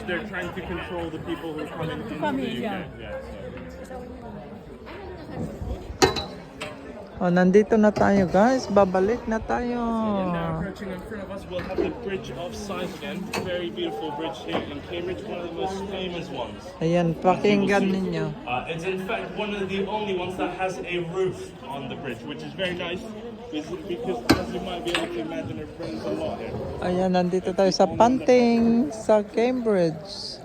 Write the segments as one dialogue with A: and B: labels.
A: they're trying to control the people who come in into the UK. Yeah.
B: Oh, nandito na tayo guys. Babalik na tayo.
A: And now approaching in front of us, we'll have the Bridge of Sighs again. Very beautiful bridge here in Cambridge, one of the most famous ones.
B: Ayan, pakinggan ninyo.
A: It's in fact one of the only ones that has a roof on the bridge, which is very nice because as you might be able to imagine, it rains a lot here.
B: Ayan, nandito tayo sa Panting sa Cambridge.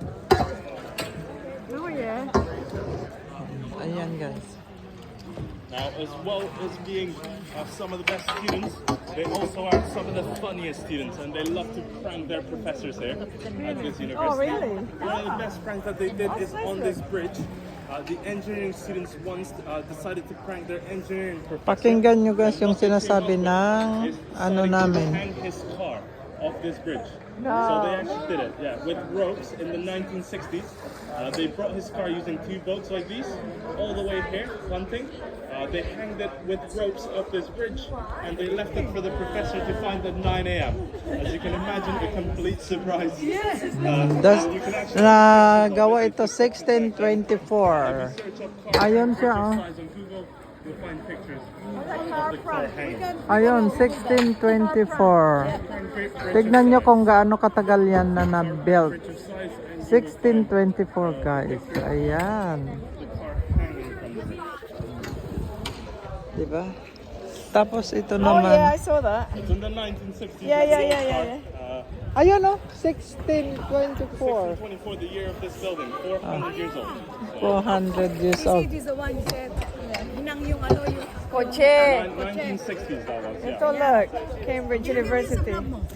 C: Oh yeah.
B: Ayan guys.
A: Now, as well as being some of the best students, they also are some of the funniest students, and they love to prank their professors here at this university.
C: Oh really?
A: One of the best pranks that they did is on this bridge. The engineering students once decided to prank their engineering professor.
B: Pakinggan nyo guys yung sinasabi ng ano namin.
A: Hang his car off this bridge.
C: No.
A: So they actually did it, yeah, with ropes in the 1960s. They brought his car using two boats like these, all the way here, one thing. They hanged it with ropes up this bridge, and they left it for the professor to find at 9 a.m. As you can imagine, a complete surprise.
C: Yes.
A: You can actually
B: Nagawa ito 1624.
A: search up car
B: Ayun siya, oh.
A: size on Google, you'll find pictures of the car hanging.
B: Ayun, 1624. Tignan nyo kung gaano katagal yan na na-built.
A: Bridge of size and
B: 1624 guys. Ayan.
A: the car hanging from the bridge.
B: Diba? Tapos ito
C: Oh
B: naman.
C: yeah, I saw that.
A: It's in the 1960s.
C: Yeah,
A: It's
C: yeah,
A: an
C: yeah,
A: old
C: yeah,
A: car.
B: Ayun oh, 1624.
A: 1624, the year of this building, 400 years old.
B: 400 years
D: See,
B: old.
D: this is the one you said. Hinang yung ano yung
C: Koche.
A: 1960s that was,
C: Ito
A: yeah.
C: look, Cambridge University.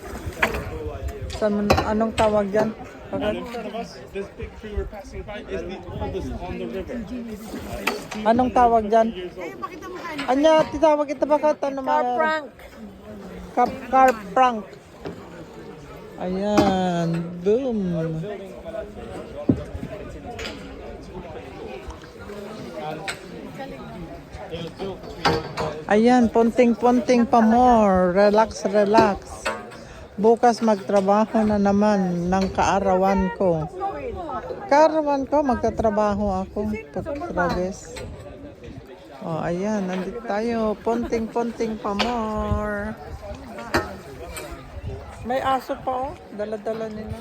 B: Anong tawag dyan?
A: And in front of us, this big tree we're passing by is the oldest on the river.
B: Anong tawag dyan?
A: Years old.
D: pakita mo kayo.
B: Anya, titawag ito bakit? Ano
C: Car prank.
B: Car prank. Ayan, boom. Ayan, punting-punting pa more. Relax, relax. Bukas magtrabaho na naman ng kaarawan ko. Kaarawan ko, magtatrabaho ako. Putragis. Oh, ayan, nandito tayo. Punting-punting pa more. May aso pa oh. Dala-dala nila.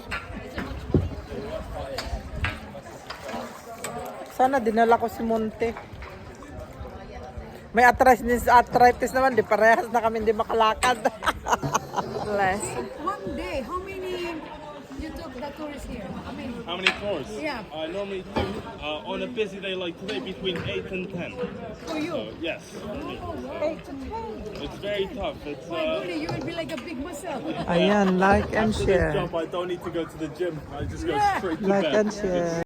B: Sana dinala ko si Monte. May arthritis naman. Di parehas na kami hindi makalakad.
C: Bless.
D: One day, how many you took the tourists here? How many?
A: How many tours?
D: Yeah.
A: Normally do, on a busy day like today, between 8 and 10.
D: For you?
A: So, yes. for me.
D: 8 to 10.
A: It's very tough. It's,
D: My goodness, you will be like a big muscle.
B: Ayan, like and
A: after this
B: share.
A: job, I don't need to go to the gym. I just go
D: Yeah.
A: straight to
B: Like
A: bed.
B: and share.